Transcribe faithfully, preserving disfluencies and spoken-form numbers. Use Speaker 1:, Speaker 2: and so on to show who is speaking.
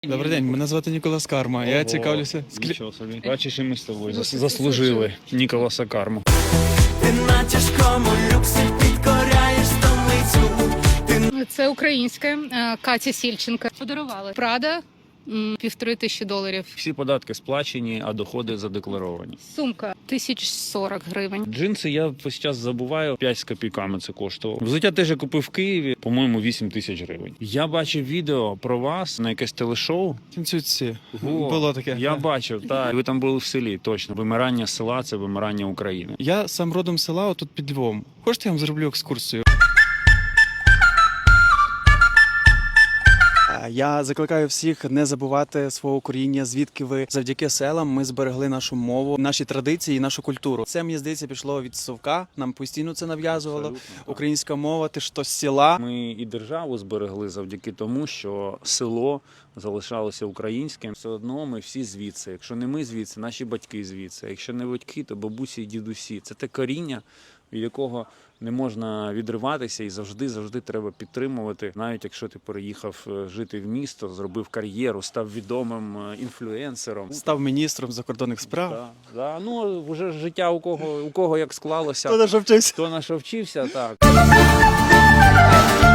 Speaker 1: Добрий день, мене звати Ніколас Карма. Я
Speaker 2: Ого,
Speaker 1: цікавлюся. Склі...
Speaker 2: Нічого собі. Бачиш, і ми з тобою зас- заслужили Ніколаса Карму.
Speaker 3: Ти на тяжкому люксі підкоряєш столицю.
Speaker 4: Це українське, е, Катя Сільченка. Подарували. Прада м, півтори тисячі доларів.
Speaker 2: Всі податки сплачені, а доходи задекларовані.
Speaker 4: Сумка тисяч сорок гривень.
Speaker 2: Джинси я весь час забуваю, п'ять з копійками це коштувало. Взуття теж я купив в Києві, по-моєму, вісім тисяч гривень. Я бачив відео про вас на якесь телешоу.
Speaker 1: Танцюці.
Speaker 2: О,
Speaker 1: Було таке.
Speaker 2: Я бачив, так. Ви там були в селі, точно. Вимирання села – це вимирання України.
Speaker 1: Я сам родом з села, отут під Львовом. Хочете, я вам зроблю екскурсію? Я закликаю всіх не забувати свого коріння, звідки ви. Завдяки селам ми зберегли нашу мову, наші традиції і нашу культуру. Це, мені здається, пішло від совка, нам постійно це нав'язувало.
Speaker 2: Абсолютно, так.
Speaker 1: Українська мова, ти ж то з села.
Speaker 2: Ми і державу зберегли завдяки тому, що село залишалося українським. Все одно ми всі звідси. Якщо не ми звідси, наші батьки звідси. Якщо не батьки, то бабусі і дідусі. Це те коріння, від якого не можна відриватися і завжди-завжди треба підтримувати. Навіть якщо ти переїхав жити в місто, зробив кар'єру, став відомим інфлюенсером.
Speaker 1: Став міністром закордонних справ.
Speaker 2: Да, да. Ну, вже життя у кого, у кого як склалося.
Speaker 1: Хто на що вчився?
Speaker 2: Хто на що вчився, так.